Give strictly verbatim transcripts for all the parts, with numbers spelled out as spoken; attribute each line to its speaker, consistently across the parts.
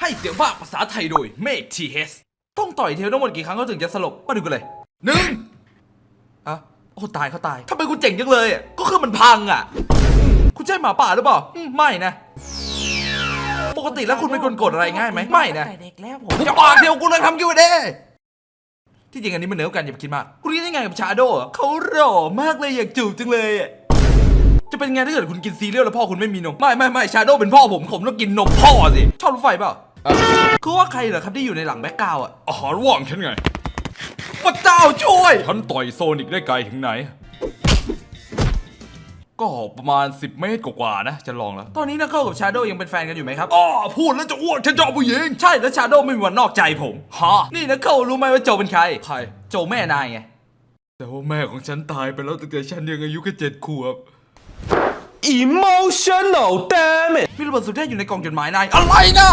Speaker 1: ให้เสียงภาคภาษาไทยโดยเมฆทีเฮสต้องต่อยเทลทั้งหมดกี่ครั้งเขาถึงจะสลบมาดูกันเลยหนึ่งอ่ะโอ้ตายเขาตายทำไมคุณเจ๋งจังเลยอ่ะก็คือมันพังอ่ะคุณใช่หมาป่าหรือเปล่าไม่นะปกติแล้วคุณเป็นคนกดอะไรง่ายไหมไม่นะเด็กแล้วผมจะปากเดียวกูเลยทำกิวเด้ที่จริงอันนี้มันเหนือกันอย่าไปคิดมากคุณคิดยังไงกับชาโดว์เขาหล่อมากเลยอยากจูบจังเลยอ่ะจะเป็นไงถ้าเกิดคุณกินซีเรียลแล้วพ่อคุณไม่มีนมไม่ไม่ไม่ชาโดว์เป็นพ่อผมผมต้องกินนมพ่อสิชอบรถไฟเปล่าคือว่าใครเหรอครับที่อยู่ในหลังแบ็คกราวด์อ่ะอาหารว่างฉันไงพระเจ้าช่วยฉันต่อยโซนิกได้ไกลถึงไหนก็ประมาณสิบเมตรกว่าๆนะจะลองแล้วตอนนี้นักเข้ากับชาโดว์ยังเป็นแฟนกันอยู่ไหมครับอ๋อพูดแล้วจะอ้วกฉันชอบผู้หญิงใช่แล้วชาโดว์ไม่มีวันนอกใจผมฮะนี่นักเข้ารู้ไหมว่าโจเป็นใครใครโจแม่นายไงแต่ว่าแม่ของฉันตายไปแล้วตั้งแต่ฉันยังอายุแค่เจ็ดขวบ
Speaker 2: emotional damn it
Speaker 1: มีระเบิดสุดเทพอยู่ในกล่องจดหมายนายอะไรนะ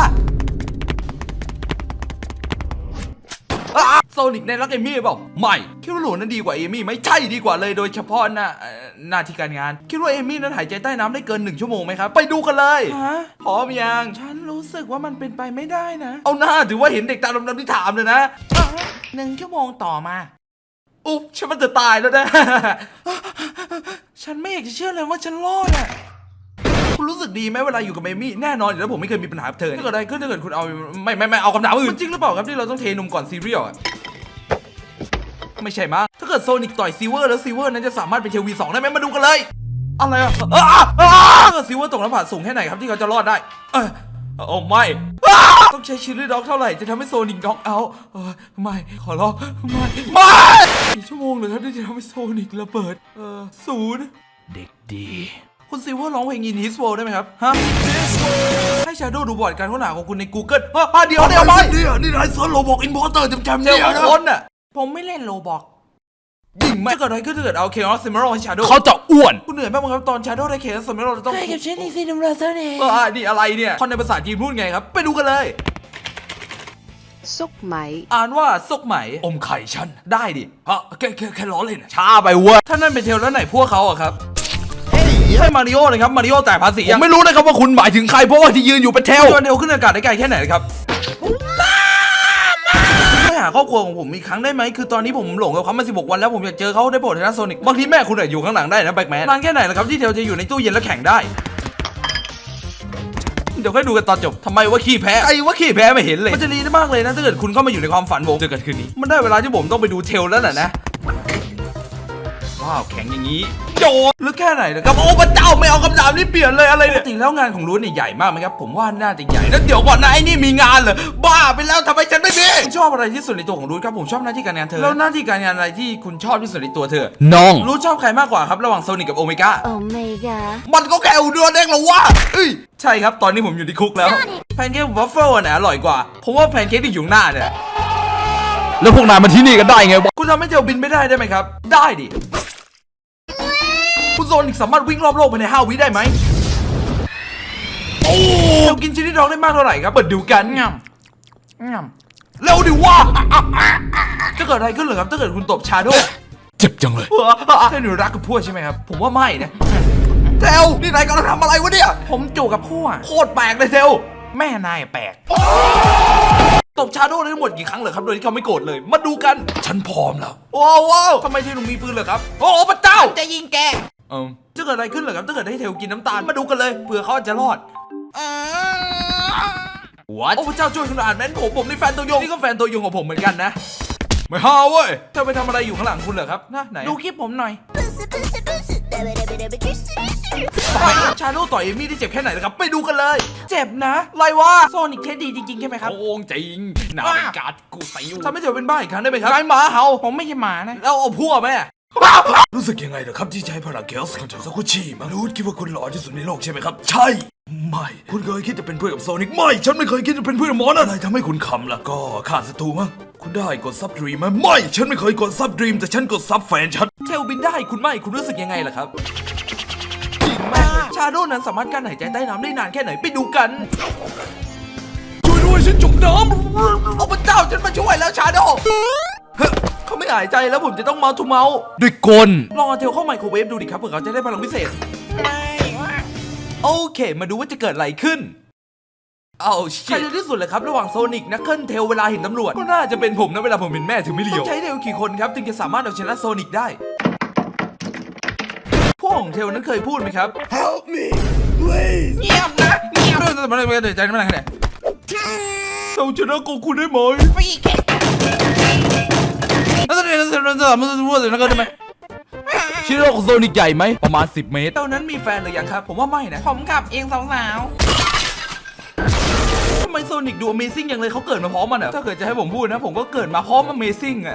Speaker 1: โซนิกในรักเอมี่เปล่าไม่คิดว่าหลูนั้นดีกว่าเอมี่ไม่ใช่ดีกว่าเลยโดยเฉพาะหน้าหน้าที่การงานคิดว่าเอมี่นั้นหายใจใต้น้ำได้เกินหนึ่งชั่วโมงไหมครับไปดูกันเลยฮะพร้อมยังฉันรู้สึกว่ามันเป็นไปไม่ได้นะเอาหน้าถือว่าเห็นเด็กตาดำๆที่ถามเลยนะหนึ่งชั่วโมงต่อมาอุ๊บฉันมันจะตายแล้วนะฉันไม่อยากจะเชื่อเลยว่าฉันรอดอ่ะคุณรู้สึกดีไหมเวลาอยู่กับเอมี่แน่นอนอยู่แล้วผมไม่เคยมีปัญหากับเธอถ้าเกิดอะไรขึ้นถ้าเกิดคุณเอาไม่ไม่ไม่เอาคำถามอื่นจริงหรือเปล่าครับที่เราต้องเทนมก่อนซีเรียลอ่ะไม่ใช่มั้งถ้าเกิดโซนิกต่อยซีเวอร์แล้วซีเวอร์นั้นจะสามารถเป็นเทลวีสองได้ไหมมาดูกันเลยอะไรอ่ะถ้าเกิดซีเวอร์ตกหน้าผาสูงแค่ไหนครับที่เขาจะรอดได้เออโอ้ไม่ต้องใช้ชิลลี่ด็อกเท่าไหร่จะทำให้โซนิกด็อกเอาไม่ขอร้องไม่ไม่กี่ชั่วโมงเลยครับที่จะทำให้โซนิกระเบิดเออศูนย์เด็กดีคุณซิลเวอร์ร้องเพลงอินฮิสโวได้ไหมครับฮะให้ชาโดว์ดูบอร์ดการค้นหาของคุณใน Google ฮะเดี๋ยวเดี๋ยวไปเนี่ยนี่นายเซิร์ชโลบอกอินพอร์เตอร์จำๆเนี่ยนะคนน่ะผมไม่เล่นโลบอกยิ่งไม่เกิดอะไรขึ้นถ้าเกิดเอาเคออสซิมเมอร์ให้ชาโดว์เขาจะอ้วนคุณเหนื่อยมากมั้งครับตอนชาโดว์ได้เคออสซิมเมอร์จะต้องใช่กับเชนนี่ซีนัมราเซอร์เนี่ยเออนี่อะไรเนี่ยคนในภาษาจีนพูดไงครับไปดูกันเลย
Speaker 3: ซุกไหม
Speaker 1: อ่านว่าซุกไหมอมไข่ฉันได้ดิฮะแค่แค่แค่ล้อเล่นช้าไปเว้ยถ้านั่นเป็นเทลแล้วไหนพวกเขาอะครับให้มาริโอเลยครับมาริโอแต่ภาษียังไม่รู้นะครับว่าคุณหมายถึงใครเพราะว่าที่ยืนอยู่เป็นเทลโยนเทลขึ้นอากาศได้ไกลแค่ไหนครับช่วยหาครอบครัวของผมอีกครั้งได้ไหมคือตอนนี้ผมหลงกับเขามาสิบหกวันแล้วผมอยากเจอเขาได้โปรดเถอะนะโซนิกบางทีแม่คุณอยู่ข้างหลังได้นะแบ็คแมนนานแค่ไหนล่ะครับที่เทลจะอยู่ในตู้เย็นแล้วแข่งได้เดี๋ยวค่อยดูกันตอนจบทำไมว่าขี้แพ้ไอ้ว่าขี้แพ้ไม่เห็นเลยมันจะดีมากเลยนะถ้าเกิดคุณเข้ามาอยู่ในความฝันผมเจอกันคืนนี้มันได้เวลาที่ผมต้องไปดูเทลแล้วน่ะนะว้าวแข็งอย่างนี้โจลึกแค่ไหนนะครับโอ้พระเจ้าไม่เอาคำถามนี้เปลี่ยนเลยอะไรเนี่ยปกติแล้วงานของรู้เนี่ยใหญ่มากไหมครับผมว่าน่าจะใหญ่แล้วเดี๋ยวก่อนนะไอ้นี่มีงานเหรอบ้าไปแล้วทำไมฉันไม่มีคุณชอบอะไรที่สุดในตัวของรู้ครับผมชอบหน้าที่การงานเธอแล้วหน้าที่การงานอะไรที่คุณชอบที่สุดในตัวเธอ
Speaker 2: น้อง
Speaker 1: รู้ชอบใครมากกว่าครับระหว่างโซนิกกับโอเมก้า
Speaker 3: โอเมก้า
Speaker 1: มันก็แค่อุดรเองเหรอวะเอ้ยใช่ครับตอนนี้ผมอยู่ในคุกแล้วแพนเค้กวัฟเฟิลอันไหนอร่อยกว่าเพราะว่าแพนเค้กที่อยู่หน้าเนี่ย
Speaker 2: แล้วพวกนายมาที่นี่กันได้ไงวะ
Speaker 1: คุณทำให้เทลบินไม่ได้ได้ไหมครับได้ดิคุณโซนิกสามารถวิ่งรอบโลกภายในห้าวิได้ไหมโอ้เรากินชิ้นที่ท้องได้มากเท่าไหร่ครับเปิดดูกันงำงำเร็วดิว่าจะเกิดอะไรขึ้นเหรอครับถ้าเกิดคุณตบชาโดว์
Speaker 2: เจ็บจังเลย
Speaker 1: ถ้าหนูรักกับพวกใช่ไหมครับผมว่าไม่นะเทลนี่นายกำลังทำอะไรวะเนี่ยผมจูบกับพวกโคตรแปลกเลยเทลแม่นายแปลกตบชาโดว์ได้ทั้งหมดกี่ครั้งเหรอครับโดยที่เขาไม่โกรธเลยมาดูกัน
Speaker 2: ฉันพร้อมแล้ว
Speaker 1: ว้าวว้าวทำไมเทลถึงมีปืนเหรอครับโอ้พระเจ้าจะยิงแกเออจะเกิดอะไรขึ้นเหรอครับถ้าเกิดให้เทลกินน้ำตาลมาดูกันเลยเผื่อเขาจะรอดWhat โอ้พระเจ้าช่วยขนาดนั้นผมผมนี่แฟนตัวยงนี่ก็แฟนตัวยงของผมเหมือนกันนะไม่ฮ่าเว้ยเธอไปทำอะไรอยู่ข้างหลังคุณเหรอครับนะไหนดูคลิปผมหน่อยชาโดว์ต่อยเอมี่ได้เจ็บแค่ไหนนะครับไปดูกันเลยเจ็บนะไรวะโซนิกเทสดีจริงๆใช่ไหมครับ
Speaker 2: โอ้จริงหนาเป็นการกูใส่อยู่
Speaker 1: ทำให้เธอเป็นบ้าอีกครั้งได้ไหมครับไอ้หมาเห่าผมไม่ใช่หมานะแล้วเอาพวกไหม
Speaker 2: รู้สึกยังไงเหรอครับที่ใช้พลังเกลส์ของเจ้าซากุชิมารู้คิดว่าคุณหล่อที่สุดในโลกใช่ไหมครับใช่ไม่คุณเคยคิดจะเป็นเพื่อนกับโซนิกไม่ฉันไม่เคยคิดจะเป็นเพื่อนกับหมอนะอะไรทำให้คุณขำล่ะก็ขาดศัตรูมั้งคุณได้กดซับดรีมไหมไม่ฉันไม่เคยกดซับดรีมแต่ฉันกดซับแฟนฉัน
Speaker 1: เทลบินได้คุณไม่คุณรู้สึกยังไงล่ะครับจริงมากชาโดว์นั้นสามารถกั้นหายใจใต้น้ำได้นานแค่ไหนไปดูกัน
Speaker 2: ช่วยด้วยฉันจมน้
Speaker 1: ำโอ้พระเจ้าฉันมาช่วยแล้วชาโดว์เขาไม่หายใจแล้วผมจะต้องเมาส์ทูเมาส์
Speaker 2: ด้วยกล
Speaker 1: ลองเอาเทลเข้าไมโครเวฟดูดิครับเผื่อเขาจะได้พลังพิเศษโอเคมาดูว่าจะเกิดอะไรขึ้นเอาใครจะที่สุดเลยครับระหว่างโซนิกนักเคิลเทลเวลาเห็นตำรวจก็น่าจะเป็นผมนะเวลาผมเห็นแม่ถึงไม่เลียวต้องใช้เทลกี่คนครับถึงจะสามารถเอาชนะโซนิกได้พวกของเทลนั้นเคยพูดไหมครับ
Speaker 2: Help me please
Speaker 1: เงียบนะเงียบไม่ต้องไม่ต้องใจไม่ต้องไหนเราชนะโกคูได้ไหมฟีแกแล้วตอนนี้เราจะเราจะมันจะพูดถึงนักเคิลได้ไหมชื่อโลกโซนิกใหญ่ไหมประมาณสิบเมตรตอนนั้นมีแฟนหรือยังครับผมว่าไม่นะผมขับเองสาวๆทำไมโซนิกดู Amazing อย่างเลยเขาเกิดมาพร้อมมันอะถ้าเกิดจะให้ผมพูดนะผมก็เกิดมาพร้อม Amazing อะ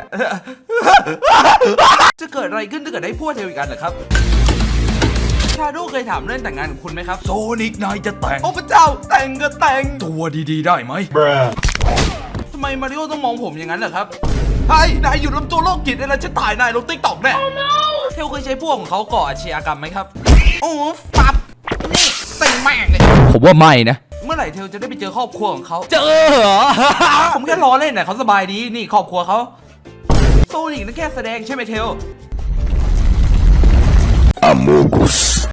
Speaker 1: จะเกิดอะไรขึ้นถ้าเกิดได้พวกเทลอีกอันเหรอครับชาโดเคยถามเรื่องแต่งงานกับคุณไหมครับ
Speaker 2: โซนิกนายจะแต่ง
Speaker 1: โอ้พระเจ้าแต่งก็แต่ง
Speaker 2: ตัวดีๆได้ไหม
Speaker 1: ทำไมมาริโอต้องมองผมอย่างนั้นเหรอครับไอ้นายอยู่ลำตัวโรคจิตเลยนะจะถ่ายนายลงติ๊กต็อกแน่เทลเคยใช้พวกของเขาก่ออาชญากรรมไหมครับโอ้ฟับนี่ติงแม่งเลยผมว่าไม่นะเมื่อไหร่เทลจะได้ไปเจอครอบครัวของเขาเจอเหรอ ผมแค่ล้อเล่นนะเขาสบายดีนี่ครอบครัวเขาโซนิกนั่นแค่แสดงใช่ไหมเทล
Speaker 2: Amogus